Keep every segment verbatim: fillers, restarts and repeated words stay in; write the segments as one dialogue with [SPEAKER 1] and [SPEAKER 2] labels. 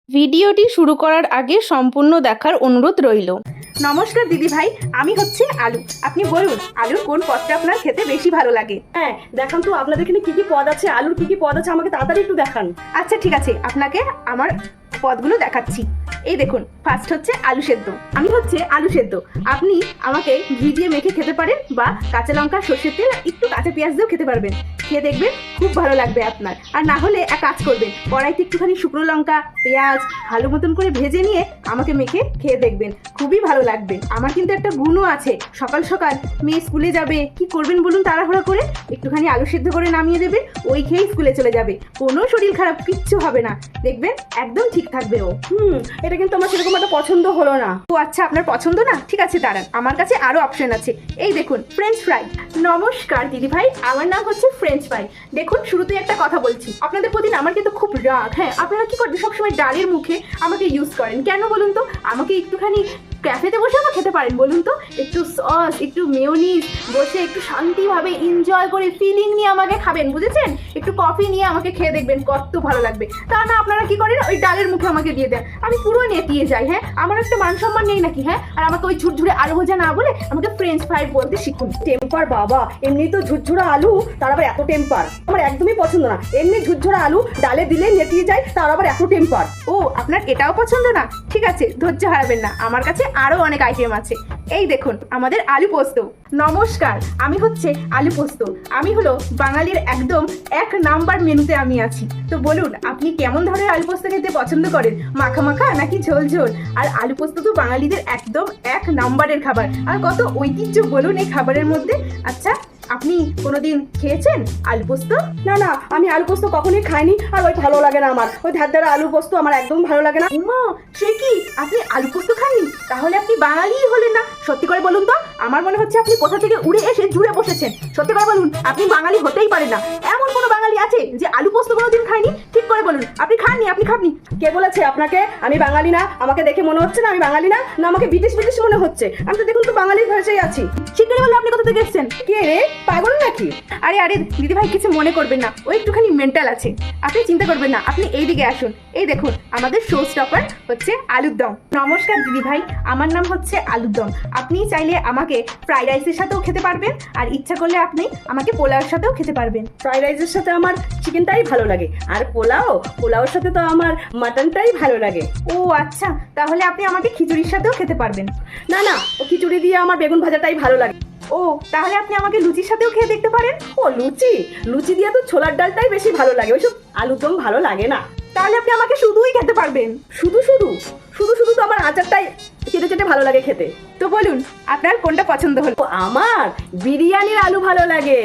[SPEAKER 1] ভিডিওটি শুরু করার আগে সম্পূর্ণ দেখার অনুরোধ রইল।
[SPEAKER 2] নমস্কার দিদি ভাই, আমি হচ্ছে আলু। আপনি বলুন আলুর কোন পদটা আপনার খেতে বেশি ভালো লাগে?
[SPEAKER 3] হ্যাঁ দেখান তো আপনাদের এখানে কি কি পদ আছে, আলুর কি কি পদ আছে আমাকে তাড়াতাড়ি একটু দেখান।
[SPEAKER 2] আচ্ছা ঠিক আছে, আপনাকে আমার পদগুলো দেখাচ্ছি। এই দেখুন, ফার্স্ট হচ্ছে আলু সেদ্ধ। আমি হচ্ছে আলু সেদ্ধ। আপনি আমাকে ঘি দিয়ে মেখে খেতে পারেন বা কাঁচা লঙ্কা, সর্ষের তেল, একটু কাঁচা পেঁয়াজ দিয়েও খেতে পারবেন। খেয়ে দেখবেন খুব ভালো লাগবে আপনার। আর না হলে এক কাজ করবেন, কড়াইতে একটুখানি শুকনো লঙ্কা, পেঁয়াজ ভালো মতন করে ভেজে নিয়ে আমাকে মেখে খেয়ে দেখবেন, খুবই ভালো লাগবে। আমার কিন্তু একটা গুণও আছে, সকাল সকাল মেয়ে স্কুলে যাবে, কি করবেন বলুন তাড়াহুড়া করে? একটুখানি আলু সেদ্ধ করে নামিয়ে দেবেন, ওই খেয়েই স্কুলে চলে যাবে। কোনো শরীর খারাপ কিচ্ছু হবে না, দেখবেন একদম ঠিক থাকবে ও।
[SPEAKER 3] হুম এটা কিন্তু আমার সেরকম একটা পছন্দ হলো না।
[SPEAKER 2] ও আচ্ছা, আপনার পছন্দ না? ঠিক আছে দাঁড়ান, আমার কাছে আরো অপশন আছে। এই দেখুন, ফ্রেঞ্চ ফ্রাই। নমস্কার দিদি ভাই, আমার নাম হচ্ছে ফ্রেঞ্চ ফ্রাই। দেখুন শুরুতেই একটা কথা বলছি, আপনাদের প্রতি না আমার কিন্তু খুব রাগ। হ্যাঁ, আপনারা কি করবেন, সবসময় ডালের মুখে আমাকে ইউজ করেন কেন বলুন তো? আমাকে একটুখানি ক্যাফেতে বসে আমার খেতে পারেন বলুন তো? একটু সস, একটু মেয়োনিজ বসে একটু শান্তিভাবে এনজয় করে ফিলিং নিয়ে আমাকে খাবেন, বুঝেছেন? একটু কফি নিয়ে আমাকে খেয়ে দেখবেন কত ভালো লাগবে। তা না আপনারা কি করেন, ওই ডালের মুখে আমাকে দিয়ে দেন, আমি পুরো নেতিয়ে যাই। হ্যাঁ, আমার একটা মান সম্মান নেই নাকি? হ্যাঁ, আর আমাকে ওই ঝুরঝুরে আলু ভাজা না বলে আমাকে ফ্রেঞ্চ ফ্রাই বলতে শিখুন।
[SPEAKER 3] টেম্পার বাবা, এমনি তো ঝুরঝুরা আলু, তার আবার এত টেম্পার আমার একদমই পছন্দ না। এমনি ঝুরঝুরা আলু ডালে দিলে নেতিয়ে যায়, তার আবার এত টেম্পার।
[SPEAKER 2] ও আপনার এটাও পছন্দ না? ঠিক আছে, ধৈর্য হারাবেন না, আমার কাছে আরো অনেক আইটেম আছে। এই দেখুন আমাদের আলু পোস্ত। নমস্কার, আমি হচ্ছে আলু পোস্ত। আমি হলো বাঙালির একদম এক নাম্বার মেনুতে আমি আছি। তো বলুন আপনি কেমন ধরনের আলু পোস্ত খেতে পছন্দ করেন, মাখা মাখা নাকি ঝোল ঝোল? আর আলু পোস্ত তো বাঙালিদের একদম এক নাম্বারের খাবার, আর কত ঐতিহ্য বলুন এই খাবারের মধ্যে। আচ্ছা, আপনি কোনোদিন খেয়েছেন আলু পোস্ত?
[SPEAKER 3] না না, আমি আলু পোস্ত কখনোই খাইনি, আর ওই ভালো লাগে না আমার, ওই ধারদারা আলু পোস্ত আমার একদম ভালো লাগে না।
[SPEAKER 2] উমা, সে কি, আপনি আলু পোস্ত খাননি? তাহলে আপনি বাঙালিই হলেন না। সত্যি করে বলুন তো, আমার মনে হচ্ছে আপনি কোথা থেকে উড়ে এসে জুড়ে বসেছেন। সত্যি করে বলুন, আপনি বাঙালি হতেই পারেন না। এমন কোনো বাঙালি আছে যে আলু পোস্ত কোনোদিন খায়নি? ঠিক করে বলুন, আপনি খাননি, আপনি খাননি।
[SPEAKER 3] কে বলেছে আপনাকে আমি বাঙালি না? আমাকে দেখে মনে হচ্ছে না আমি বাঙালি না? না আমাকে বিদেশ বিদেশ মনে হচ্ছে? আমি তো দেখুন তো বাঙালির ভাষায় আছি।
[SPEAKER 2] ঠিক করে বলুন, আপনি কোথা থেকে এসেছেন?
[SPEAKER 3] কে রে, পাগল নাকি?
[SPEAKER 2] আরে আরে দিদি ভাই, কিছু মনে করবেন না, ও একটুখানি মেন্টাল আছে। আপনি চিন্তা করবেন না, আপনি এই দিকে আসুন। এই দেখুন আমাদের শো স্টপার হচ্ছে আলুর দম। নমস্কার দিদি ভাই, আমার নাম হচ্ছে আলুর দম। আপনি চাইলে আমাকে ফ্রাইড রাইসের সাথেও খেতে পারবেন, আর ইচ্ছা করলে আপনি আমাকে পোলাওর সাথেও খেতে পারবেন।
[SPEAKER 3] ফ্রাইড রাইসের সাথে আমার চিকেনটাই ভালো লাগে, আর পোলাও পোলাওর সাথে তো আমার মাটনটাই ভালো লাগে।
[SPEAKER 2] ও আচ্ছা, তাহলে আপনি আমাকে খিচুড়ির সাথেও খেতে পারবেন।
[SPEAKER 3] না না, ও খিচুড়ি দিয়ে আমার বেগুন ভাজাটাই ভালো লাগে।
[SPEAKER 2] ও তাহলে আপনি আমাকে লুচির সাথেও খেয়ে দেখতে পারেন।
[SPEAKER 3] ও লুচি, লুচি দিয়ে তো ছোলার ডালটাই বেশি ভালো লাগে, ওইসব আলুর দম ভালো লাগে না।
[SPEAKER 2] তাহলে আপনি আমাকে শুধুই খেতে পারবেন।
[SPEAKER 3] শুধু শুধু শুধু শুধু তো আমার আচারটাই চেটে চেটে ভালো লাগে খেতে।
[SPEAKER 2] তো বলুন আপনার কোনটা পছন্দ হলো?
[SPEAKER 3] ও আমার বিরিয়ানির আলু ভালো লাগে।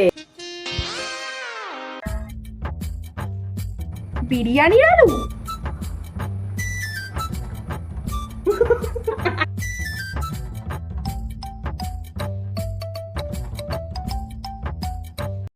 [SPEAKER 2] বিরিয়ানির আলু?